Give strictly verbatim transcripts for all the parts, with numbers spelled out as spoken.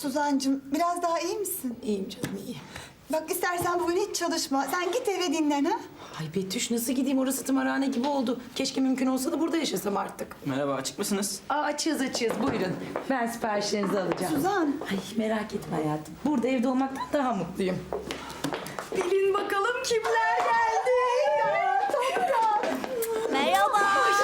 Suzancığım biraz daha iyi misin? İyiyim canım, iyiyim. Bak istersen bugün hiç çalışma. Sen git eve dinlen ha. Ay Betüş, nasıl gideyim? Orası tımarhane gibi oldu. Keşke mümkün olsa da burada yaşasam artık. Merhaba, açık mısınız? Aa, açığız açığız, buyurun. Ben siparişlerinizi alacağım. Suzan. Ay merak etme hayatım. Burada evde olmaktan daha mutluyum. Bilin bakalım kimler geldi. Merhaba.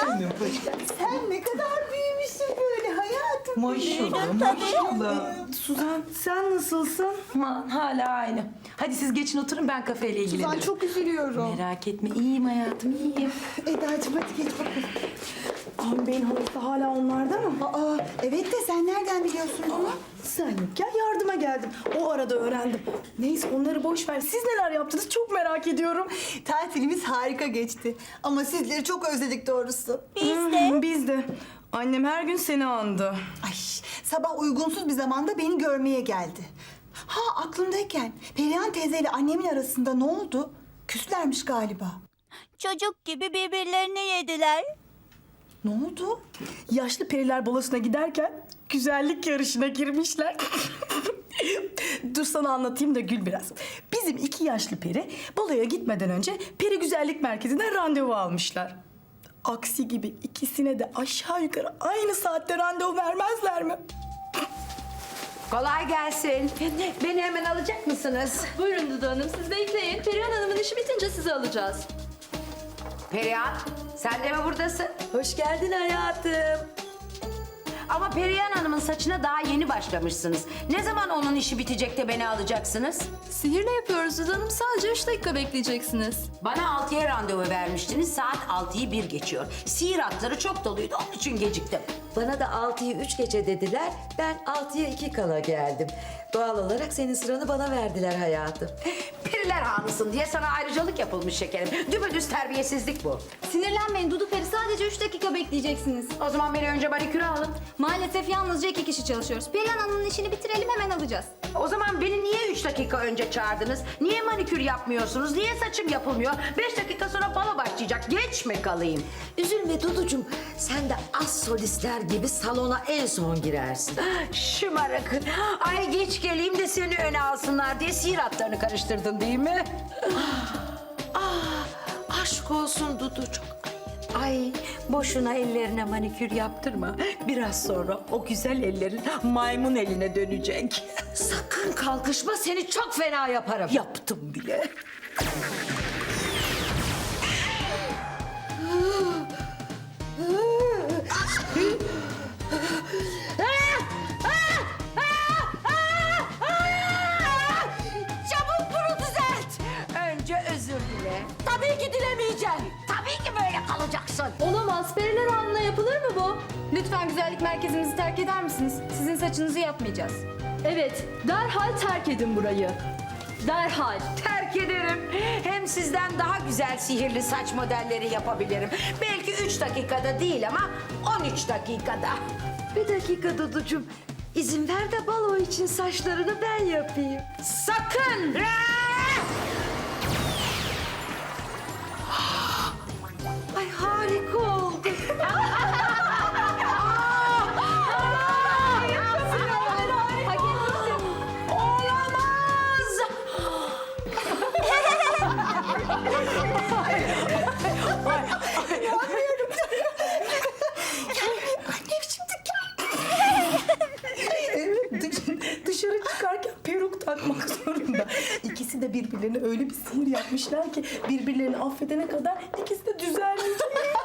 Sen ne kadar büyümüşsün böyle hayatım. Maşallah, maşallah. Suzan, sen nasılsın? Aman, hala aynı. Hadi siz geçin oturun, ben kafeyle ilgilenirim. Suzan çok üzülüyorum. Merak etme, iyiyim hayatım, iyiyim. Eda'cığım hadi geç bakalım. Ağam Bey'in halası hala onlarda mı? Aa, evet de sen nereden biliyorsun bunu? Sen yokken yardıma geldim. O arada öğrendim. Neyse onları boş ver. Siz neler yaptınız çok merak ediyorum. Tatilimiz harika geçti. Ama sizleri çok özledik doğrusu. Biz de. Hı, Biz de. Annem her gün seni andı. Ay, sabah uygunsuz bir zamanda beni görmeye geldi. Ha aklımdayken Perihan teyzeyle annemin arasında ne oldu? Küslermiş galiba. Çocuk gibi birbirlerini yediler. Ne oldu? Yaşlı periler balasına giderken güzellik yarışına girmişler. Dur sana anlatayım da gül biraz. Bizim iki yaşlı peri baloya gitmeden önce peri güzellik merkezinden randevu almışlar. Aksi gibi ikisine de aşağı yukarı aynı saatte randevu vermezler mi? Kolay gelsin. Beni hemen alacak mısınız? Buyurun Dudu Hanım, siz bekleyin. Perihan Hanım'ın işi bitince sizi alacağız. Perihan, sen de mi buradasın? Hoş geldin hayatım. Ama Perihan Hanım'ın saçına daha yeni başlamışsınız. Ne zaman onun işi bitecek de beni alacaksınız? Sihirle yapıyoruz Dudu Hanım, sadece üç dakika bekleyeceksiniz. Bana altıya randevu vermiştiniz. Saat altıyı bir geçiyor. Sihir hatları çok doluydu, onun için geciktim. Bana da altıyı üç geçe dediler. Ben altıya iki kala geldim. Doğal olarak senin sıranı bana verdiler hayatım. Periler hanısın diye sana ayrıcalık yapılmış şekerim. Düpedüz terbiyesizlik bu. Sinirlenmeyin Dudu Peri, sadece üç dakika bekleyeceksiniz. O zaman beni önce maniküre alın. Maalesef yalnızca iki kişi çalışıyoruz. Perihan Hanım'ın işini bitirelim, hemen alacağız. O zaman beni niye üç dakika önce çağırdınız? Niye manikür yapmıyorsunuz? Niye saçım yapılmıyor? Beş dakika sonra balo başlayacak. Geç mi kalayım? Üzülme Duducuğum. Sen de az solistler gibi salona en son girersin. Şımarık. Ay geç geleyim de seni öne alsınlar diye sihir hatlarını karıştırdın değil mi? Ah, aşk olsun Dudu çok ayıp. Ay boşuna ellerine manikür yaptırma. Biraz sonra o güzel ellerin maymun eline dönecek. Sakın kalkışma seni çok fena yaparım. Yaptım bile. Çabuk bunu düzelt. Önce özür dile. Tabii ki dilemeyeceğim. Tabii ki böyle kalacaksın. Olamaz, Periler Hanım'la yapılır mı bu? Lütfen güzellik merkezimizi terk eder misiniz? Sizin saçınızı yapmayacağız. Evet, derhal terk edin burayı. Derhal. Terk ederim. Hem sizden daha güzel sihirli saç modelleri yapabilirim. Belki üç dakikada değil ama on üç dakikada. Bir dakika Duducuğum. İzin ver de balo için saçlarını ben yapayım. Sakın! Ay harika oldu. Olamaz! Annem şimdi gel. Evet, dış- dışarı çıkarken peruk takmak zorunda. İkisi de birbirlerine öyle bir sihir yapmışlar ki birbirlerini affedene kadar ikisi de düzelmeyecek.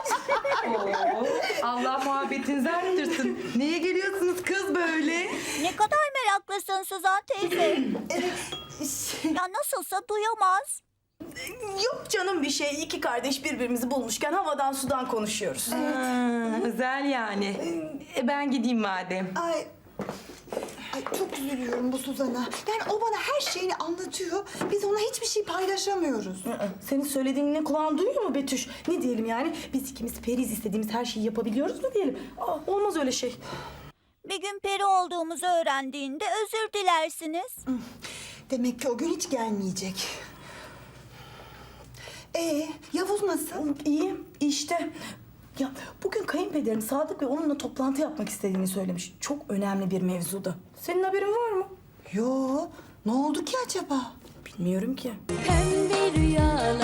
Allah muhabbetinizi arttırsın. Niye geliyorsunuz kız böyle? Ne kadar meraklısın Suzan teyze. Ya nasılsa duyamaz. Yok canım bir şey. İki kardeş birbirimizi bulmuşken havadan sudan konuşuyoruz. Ha, özel yani. E, ben gideyim madem. Ay, ay çok üzülüyorum bu Suzan'a. Yani o bana her şeyini anlatıyor. Biz ona hiçbir şey paylaşamıyoruz. Aa, senin söylediğini kulağın duyuyor mu Betüş? Ne diyelim yani? Biz ikimiz periz, istediğimiz her şeyi yapabiliyoruz mu diyelim? Aa, olmaz öyle şey. Bir gün peri olduğumuzu öğrendiğinde özür dilersiniz. Demek ki o gün hiç gelmeyecek. Ee, Yavuz nasıl? İyi işte. Ya bugün kayınpederim Sadık Bey onunla toplantı yapmak istediğini söylemiş. Çok önemli bir mevzuda. Senin haberin var mı? Yo, ne oldu ki acaba? Bilmiyorum ki. Pembe rüyalar